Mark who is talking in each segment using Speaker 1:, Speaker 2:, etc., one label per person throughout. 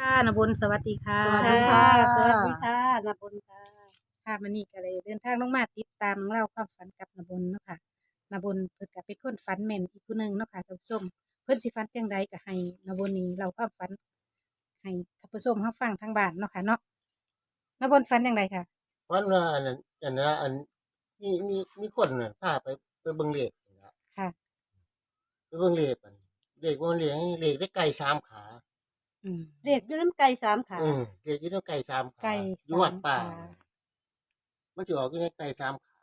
Speaker 1: ค่ะนบุญสวัสดีค่ะ
Speaker 2: สวัสดี
Speaker 3: ค่ะ
Speaker 2: ค่ะ
Speaker 3: สวัสดีค่ะนบุญค่ะ
Speaker 1: ค่ะมื้อนี้ก็เลยเดินทางลงมาติดตามเรื่องราวความฝันกับนบุญเนาะค่ะนบุญเพิ่นก็เป็นคนฝันแม่นอีกผู้หนึ่งเนาะค่ะท่านผู้ชมเพิ่นสิฝันจังใดก็ให้นบุญนี่เล่าความฝันให้ท่านผู้ชมรับฟังทางบ้านเนาะค่ะเนาะนบุญฝันจังไดค่ะ
Speaker 2: วันว่าอันนั้นมีคนน่ะพาไปเบิ่งเลขนี่ล่ะ
Speaker 1: ค่ะ
Speaker 2: ไปเบิ่งเลขอันเลขว่ามันเลขได้ไก่3ขา
Speaker 1: อืม
Speaker 3: เด็กอยู่น้ำไก่สามขา
Speaker 2: เลขอยู่ในไก่3ขา
Speaker 1: ไก่
Speaker 2: อยู่วัดป่า
Speaker 1: 3 ขา
Speaker 2: มันสิออกอยู่ในไก่3ขา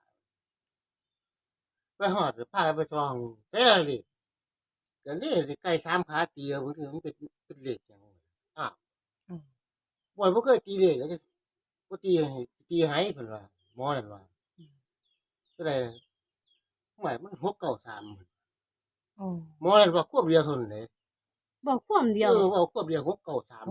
Speaker 2: ไปฮอดพาไปส่องแต่ละเลขก็เลขไก่3ขาตีเอาบางทีมันเป็นเลขหยังอ้าว
Speaker 1: อืม
Speaker 2: บ่เคยตีเลขแล้วจะบ่ตีให้เพิ่นว่าหมอนั่นว่าเท่าใดหมายมัน693
Speaker 1: โอ้
Speaker 2: หมอนั่นว่าควบเดียวเท่านั้นเด้
Speaker 3: บอกความเดียว
Speaker 2: เอาควบเดียว693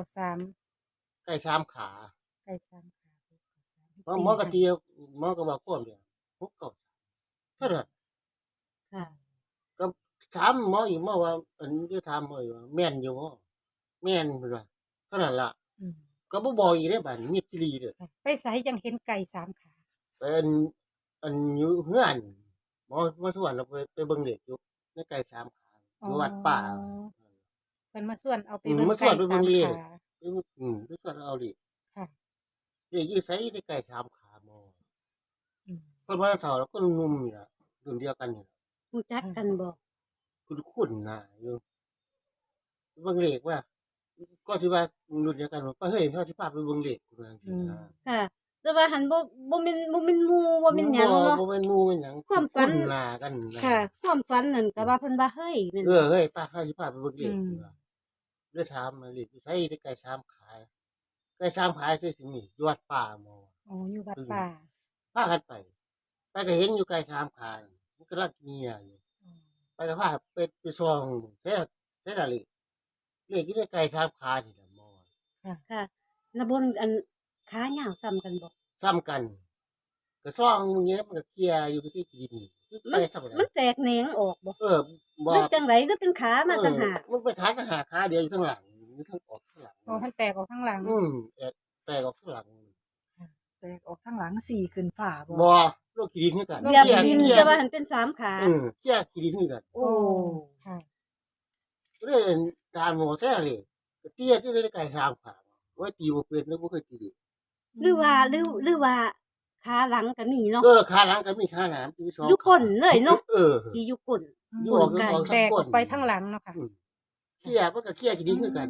Speaker 1: 693
Speaker 2: ไก่3ขา
Speaker 1: ไก่3ขา
Speaker 2: หมอกะตีหมอก็ว่าควบเดียว693เท่านั้น
Speaker 3: ค่ะ
Speaker 2: ก็ถามหมออยู่หมอว่าอันนี้ถามหมออยู่ว่าแม่นอยู่บ่แม่นเพิ่นว่าเท่านั้นล่ะ
Speaker 1: อืม
Speaker 2: ก็บ่บอกอีกเด้บัดนี้เงียบอีหลีเด้อ
Speaker 1: ค่ะไปไสจังเห็นไก่3ขา
Speaker 2: เป็นอันอยู่เฮือนหมอสวนเราไปเบิ่งเด็กอยู่ในไก่3ขาอยู่วัดป่า
Speaker 1: เพิ่นมาชวนเอาไป
Speaker 2: มา
Speaker 1: เบิ่ง
Speaker 2: สว
Speaker 1: ไก่
Speaker 2: นไปเบิ่ง
Speaker 1: 3
Speaker 2: เลข
Speaker 1: ขา
Speaker 2: ไปสวนเอาดิ
Speaker 1: ค่ะ
Speaker 2: เด็กอยู่ไสในไก่3ขาหมอ
Speaker 1: อืม
Speaker 2: คนวันเสาร์แล้วก็หนุ่มนี่ล่ะรุ่นเดียวกันนี่ล่ะ
Speaker 3: รู้จักกันบอก
Speaker 2: คุ้นๆหน้าอยู่เบิ่งเลขว่าก็สิว่ารุ่นเดียวกันว่าเฮ้ยเขาสิพาไปเบิ่งเลขว่าจังซี่นะ
Speaker 3: ค่ะ แต่ว่าหันบ่แม่นหมู่บ่แม่นหยังเนาะ
Speaker 2: บ่แม่นหมู่แม่นหยัง
Speaker 3: ความฝัน
Speaker 2: คุ้นหน้ากันนะ
Speaker 3: ค่ะ ความฝันนั่นก็ว่าเพิ่นว่าเฮ้ยนั่น
Speaker 2: เฮ้ยป้าเขาสิพาไปเบิ่งเลขว่าเลยถามมาเลขอยู่ไสได้ไก่ชามขายไก่ชามขายที่สิมีอยู่วัดป่าหมอ
Speaker 1: อ๋ออยู่วัดป่า
Speaker 2: พากันไปก็เห็นอยู่ไก่ชามขายมันกำลังเงียอยู่ไปก็พาไปส่องแต่ละเลขอยู่ในไก่ชามขายนี่ล่ะหมอ
Speaker 3: ค่ะนบุญอันขายาวซ้ำกันบอก
Speaker 2: ซ้ำกันก็ซ่องมึงเงี้ยมันก็เคลียร์อยู่ที่ดินคือไปทำอะไร
Speaker 3: มันแตกแหนงออกบ่
Speaker 2: บอ
Speaker 3: หรือก จังได๋ก็เป็นขามาต่างหาก
Speaker 2: มันไปขาหาขาเดียวอยู่ข้างหลังอยู่ข้างออกข้างหลัง
Speaker 1: อ๋อมันแตกออกข้างหลัง
Speaker 2: แตกออกข้างหลัง
Speaker 4: แตกออกข้างหลังสี่ขึ้นฝ่าบ่
Speaker 2: บอโลกขี้ดินคือกัน
Speaker 3: เหยียบดินแต่ว่าหันเป็นสามขา
Speaker 2: เคลียร์ขี้ดินคือกัน
Speaker 1: โอ้ค่ะ
Speaker 2: เรื่องการหมอแท้เลยเตี้ยที่ได้ไก่ทางผ่าว่าตีบ่เป็นแล้วบ่เคยตีดิ
Speaker 3: หรือว่าขาหลังก็มีเนาะ
Speaker 2: ขาหลังก็มีขาหน้ามีสอง
Speaker 3: อยู่ก้นเลยเนาะ
Speaker 2: เออ
Speaker 3: สิอยู่ก้น
Speaker 2: อยู่ออก
Speaker 3: ไก่
Speaker 2: ออก
Speaker 1: แต
Speaker 2: ทั้ง
Speaker 1: ก
Speaker 2: ก้
Speaker 1: อน อกไปทั้งหลังเนาะค่ะ
Speaker 2: เคลียร์มันก็เคลียร์ขี้ดินคือกัน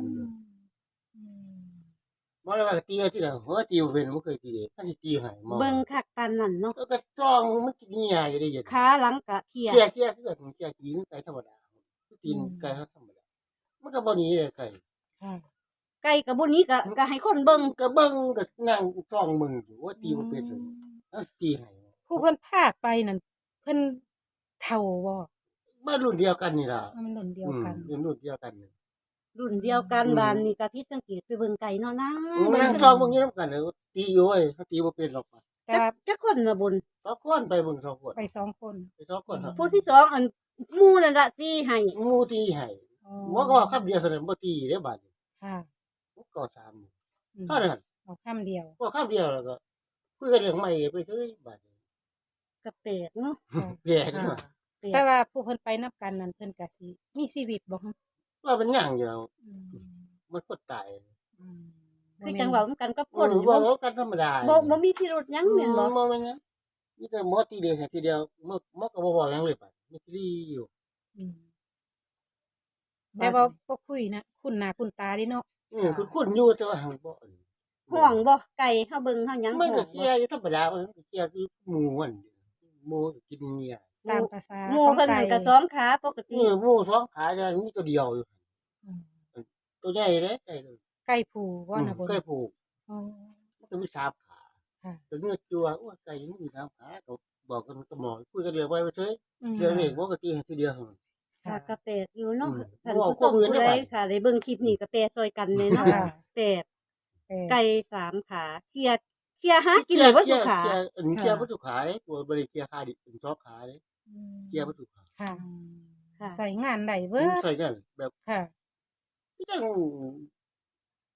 Speaker 2: บ่ได้ว่าตีที่ละตีบ่เป็นบ่เคยตีเด้ถ้าสิตีให้หมอ
Speaker 3: เบิ่งคักปานนั้นเนาะ
Speaker 2: แล้วก็จ้องมันสิเงียอยู่ได้ยัง
Speaker 3: ขาหลังก็เทีย
Speaker 2: เคลียร์คือกันเคลียร์กินไก่ธรรมดาคือกินไก่ธรรมดามันก็บ่หนีเลยไก่
Speaker 1: ค่ะ
Speaker 3: ไก่ก็บ่นี้ก็ให้คนเบิ่ง
Speaker 2: ก็เบิ่งก็นั่งจ้องมึงอยู่ว่าตีบ่เป็นเลยตีให้
Speaker 1: ผู้เพิ่นพาไปนั่นเพิ่นเฒ่าบ่
Speaker 2: บ้านรุ่นเดียวกันนี่ล่ะ
Speaker 1: มันรุ่นเดียวกัน
Speaker 2: รุ่นเดียวกันนี่
Speaker 3: รุ่นเดียวกันบ้านนี่ก็ผิดสังเกตไปเบิ่งไก่เนาะนะ
Speaker 2: นั่งจ้องมึงอยู่นำกันเลยตีอยู่เว้ยเขาตีบ่เป็นหรอก
Speaker 1: แต่ว่า
Speaker 3: จักคนน่ะบน
Speaker 2: สองคนไปเบิ่งสองคน
Speaker 1: ไป2 คน
Speaker 2: ไปสองคนครับ
Speaker 3: ผู้ที่สองอันหมู่นั่นล่ะตีให้
Speaker 2: งูตีให้หมอก็ว่าคำเดียวเท่านั้นบ่ตีเด้บาดนี้
Speaker 1: ค่ะ
Speaker 2: ก็3
Speaker 1: อืม
Speaker 2: เท่านั้น
Speaker 1: เอาคำเดียว
Speaker 2: ก็คำเดียวแล้วก็คุยกันเรื่องใหม่ไปเฉยบาดนี้
Speaker 3: ก็แปลกเนาะ
Speaker 2: แย่ขึ้นมา
Speaker 3: แปล
Speaker 1: แต่
Speaker 3: ก
Speaker 1: ว่าผู้เพิ่นไปนับกันนั่นเพิ่นก็สิมีชีวิตบ่ฮะ
Speaker 2: ว่ามันหยังอยู่แล้ว
Speaker 1: อืม
Speaker 2: มันก็ตาย
Speaker 1: อืม
Speaker 3: คือจังเว้ากันกับคน
Speaker 2: ว่ากันธรรมดา
Speaker 3: บ่มีพิรุธหยังแม่นบ่
Speaker 2: บ่แม่นหยังมีแต่หมอตีเดียวทีเดียวหมอก็บ่บอกหยังเลยบัดมีตีอยู่
Speaker 1: อืมแต่ว่าบ่คุยนะคุ้นหน้าคุ้นตาเดิเนาะ
Speaker 2: คุณอยู่แต่ว่าหังบ่
Speaker 3: ห่วงบ่ไก่เฮาเบิ่งเฮาหยัง
Speaker 2: มัน
Speaker 3: ห่ว
Speaker 2: ก็
Speaker 3: ง
Speaker 2: เคลียร์อยู่ธรรมดามันก็เคลียร์คือหมู่มันหมู่ก็กินเงีย
Speaker 1: ตามภาษา
Speaker 3: หมู่
Speaker 1: ของ
Speaker 3: เพิ่น
Speaker 1: ไก่
Speaker 3: นั่นก็สองขาปกติ
Speaker 2: หมู่สองขาจะมีตัวเดียวอยู่
Speaker 1: อืม
Speaker 2: ตัวใหญ่เด้ไก่
Speaker 1: ไก่ผูบ่นะบน
Speaker 2: ไก่ผูก
Speaker 1: อ๋อ
Speaker 2: มันก็มี3ขา
Speaker 1: ค่ะ
Speaker 2: แต่เงือกจัวว่าไก่มันมี3ขาก็บอกกันก็หมอคุยกันเรื่องไว้เฉย
Speaker 1: อืม
Speaker 2: เดี๋ยวนี้บ่ก็ตีให้ทีเดียวเท่านั้น
Speaker 3: ค่ะก็แปลกอยู่เนาะ
Speaker 2: อืม
Speaker 3: ท่าน
Speaker 2: บอก
Speaker 3: ผู้ชม
Speaker 2: ข้อมูล
Speaker 3: ผู้
Speaker 2: ได้
Speaker 3: ใด
Speaker 2: บัด
Speaker 3: ค่ะได้เบิ่งคลิปนี้ก็แปลซอยกันเลยเนาะ
Speaker 1: ค่ะ
Speaker 3: แปลก
Speaker 1: แต่
Speaker 3: ไก่สามขาเคลียร์หากินเลยบ่สุขา
Speaker 2: เคลียร์บ่สุขาเด้ตัวบ่ได้เคลียร์ขาดิเป็น2ขาเด้
Speaker 1: อืม
Speaker 2: เคลียร์บ่สุขา
Speaker 1: ค่ะ
Speaker 3: ค่ะ
Speaker 1: ใส่งานได้เบิด
Speaker 2: ใส่กันแบบ
Speaker 1: ค่ะ
Speaker 2: จัง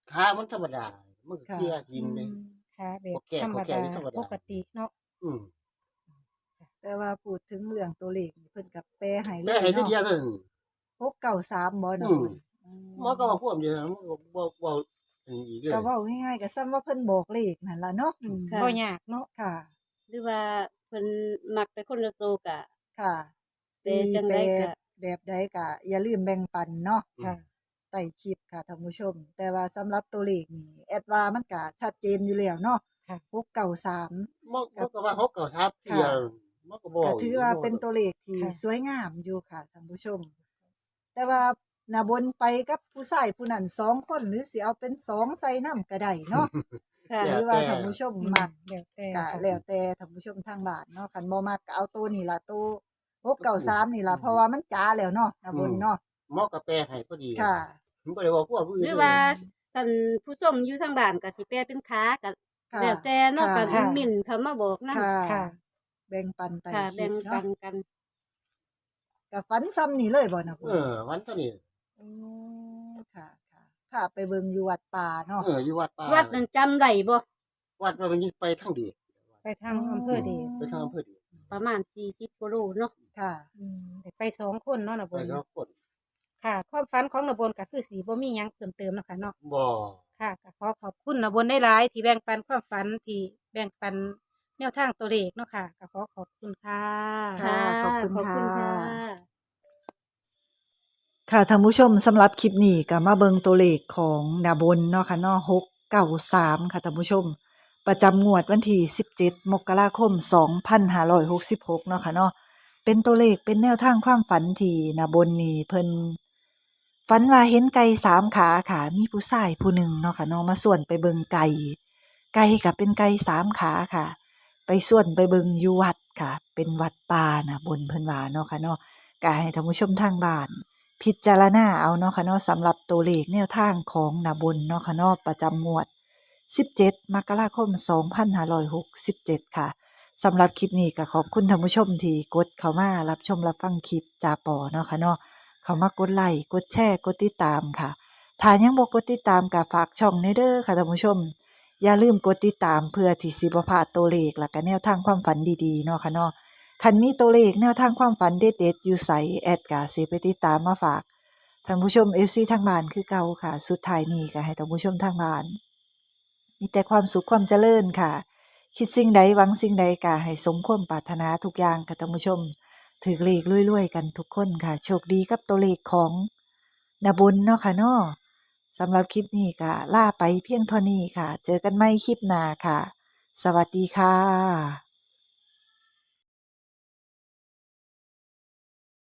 Speaker 2: ขามันธรรมดา มันก็
Speaker 4: ค่ะ
Speaker 2: เคลียร์กินเลย
Speaker 1: ค่ะแบ
Speaker 2: พ
Speaker 1: บ
Speaker 2: วกแก่
Speaker 1: ธรร
Speaker 2: พ
Speaker 1: ม
Speaker 2: วกแก่
Speaker 1: ดา
Speaker 2: นี่ธรรมดา
Speaker 1: ปกติเนาะ
Speaker 2: อืม
Speaker 4: แต่ว่าพูดถึงเรื่องตัวเลขนี่เพิ่นก็แปลให้เล
Speaker 2: แม่
Speaker 4: ย
Speaker 2: ให้ที
Speaker 4: เนาะ
Speaker 2: เดียวเท่านั้น
Speaker 4: 693บ่น่ะ
Speaker 2: อืม
Speaker 4: บุญ
Speaker 2: หมอก็ว่าความเดียวมันก็บ่อันนี้อีกเลย
Speaker 4: ก็เว้าง่ายๆก็ซ้ำว่าเพิ่นบอกเลขนั่นล่ะเนาะ
Speaker 1: อืม
Speaker 3: ค่ะ
Speaker 1: บ่ยากเนาะ
Speaker 4: ค่ะ
Speaker 3: หรือว่าเพิ่นมักไปคนละโตวก็
Speaker 4: ค่ะ
Speaker 3: แต่
Speaker 4: ตี
Speaker 3: จัง
Speaker 4: แป
Speaker 3: ใด
Speaker 4: ล
Speaker 3: ก็
Speaker 4: แบบใดก็อย่าลืมแบ่งปันเนาะ
Speaker 1: ค่ะ
Speaker 4: ใต้คลิปค่ะท่านผู้ชม แต่ว่าสำหรับตัวเลขนี่แอดว่ามันก็ชัดเจนอยู่แล้วเนาะ
Speaker 1: ค่ะ
Speaker 4: 693
Speaker 2: มันก็ว่า6 9 3ทีเดียวมันก็บ่
Speaker 4: ก็ถือว่าเป็นตัวเลขที่
Speaker 1: ค่ะ
Speaker 4: สวยงามอยู่ค่ะท่านผู้ชม แต่ว่าน่ะบนไปกับผู้ชายผู้นั้น2คนหรือสิเอาเป็น2ใส่นำก็ได้เนาะ
Speaker 3: ค่ะ
Speaker 4: หรือว่าท่านผู้ชมมัก
Speaker 1: แล้วแต่
Speaker 4: ก็
Speaker 1: ค่ะ
Speaker 4: แล้วแต่ท่านผู้ชมทางบ้านเนาะคันบ่มักก็เอาตัวนี่ล่ะตัว693นี่ล่ะเพราะว่ามันจ๋าแล้วเนาะน่ะบนเนาะ
Speaker 2: หมอก็แปลให้พอดี
Speaker 4: ค่ะ
Speaker 2: มันบ่ได้ว่าความผู้อื่น
Speaker 3: หรือว่าท่านผู้ชมอยู่ทางบ้านก็สิแปลเป็นขาก็
Speaker 4: ค่ะ
Speaker 3: แล้วแต่เนาะ
Speaker 4: ค่ะ
Speaker 3: ก็มิ่นเข้ามาบอกนำ
Speaker 4: ค่ะ
Speaker 1: ค่ะ
Speaker 4: แบ่งปันใต้
Speaker 3: ค่ะ
Speaker 4: คลิ
Speaker 3: แบ่
Speaker 4: ป
Speaker 3: งปั
Speaker 4: เนาะ
Speaker 3: นกัน
Speaker 4: ก็ฝันซ้ำนี่เลยบ่น่ะบ
Speaker 2: เอน อวันเท่านี้
Speaker 4: อ๋อค่ะพาไปเบิ่งอยู่วัดป่าเนาะ
Speaker 2: อยู่วัดป่า
Speaker 3: วัดนั้นจำได้บ่
Speaker 2: วัดว่ามันไปทางเดียว
Speaker 1: ไปทางอำเภอเดช
Speaker 2: ไปทางอำเภอเดียว
Speaker 3: ประมาณ40กว่าโลเนาะ
Speaker 4: ค่ะ
Speaker 1: ได้ไปสองคนเนาะนะบ
Speaker 2: ไป
Speaker 1: น
Speaker 2: สองคน
Speaker 1: ค่ะ ความฝันของนบนก็คือสีบ่มีหยังเพิ่มเติมเนาะค่ะเนาะ
Speaker 2: บ่
Speaker 1: ค่ะก็ขอขอบคุณนบนได้หลายๆที่แบ่งปันความฝันที่แบ่งปันแนวทางตัวเลขเนาะค่ะก็ขอขอบคุณค่ะ
Speaker 4: ค่ะ ขอบคุณ
Speaker 3: ขอบคุณ
Speaker 4: ค่ะ
Speaker 3: ค่ะ
Speaker 4: ค่ะท่านผู้ชมสำหรับคลิปนี้ก็มาเบิงตัวเลขของนาบนเนาะค่ะเนาะ693ค่ะท่านผู้ชม ประจำงวดวันที่17 มกราคม 2566เนาะค่ะเนาะเป็นตัวเลขเป็นแนวทางความฝันที่นาบนนี่เพิ่นฝันว่าเห็นไก่3ขาค่ะมีผู้ชายผู้หนึ่งเนาะค่ะเนาะมาส่วนไปเบิงไก่ก็เป็นไก่3ขาค่ะ ไปส่วนไปเบิงอยู่วัดค่ะ เป็นวัดป่านะบนเพิ่นว่าเนาะค่ะเนาะก็ให้ท่านผู้ชมทางบ้าน พิจารณาเอาเนาะค่ะเนาะสำหรับตัวเลขแนวทางของนาบนเนาะค่ะเนาะประจำงวด 17 มกราคม 2567 ค่ะสำหรับคลิปนี้ก็ขอบคุณท่านผู้ชมที่กดเข้ามารับชมรับฟังคลิปจาปอเนาะค่ะเนาะเข้ามากดไลค์กดแชร์กดติดตามค่ะถ้ายังบ่กดติดตามก็ฝากช่องในเด้อค่ะท่านผู้ชม อย่าลืมกดติดตามเพื่อที่สิบ่พลาดตัวเลขและก็แนวทางความฝันดีๆเนาะค่ะเนาะ คันมีตัวเลขแนวทางความฝันเด็ดๆอยู่ไสแอดกาสิไปติดตามมาฝากท่านผู้ชม FC ทางบ้านคือเก่าค่ะ สุดท้ายนี้ก็ให้ท่านผู้ชมทางบ้าน มีแต่ความสุขความเจริญค่ะ คิดสิ่งใดหวังสิ่งใดก็ให้สมความปรารถนาทุกอย่างค่ะท่านผู้ชมถือเลขรวยๆกันทุกคนค่ะ โชคดีกับตัวเลขของนาบุญเนาะค่ะเนาะสำหรับคลิปนี้ก็ลาไปเพียงเท่านี้ค่ะ เจอกันใหม่คลิปหน้าค่ะ สวัสดีค่ะ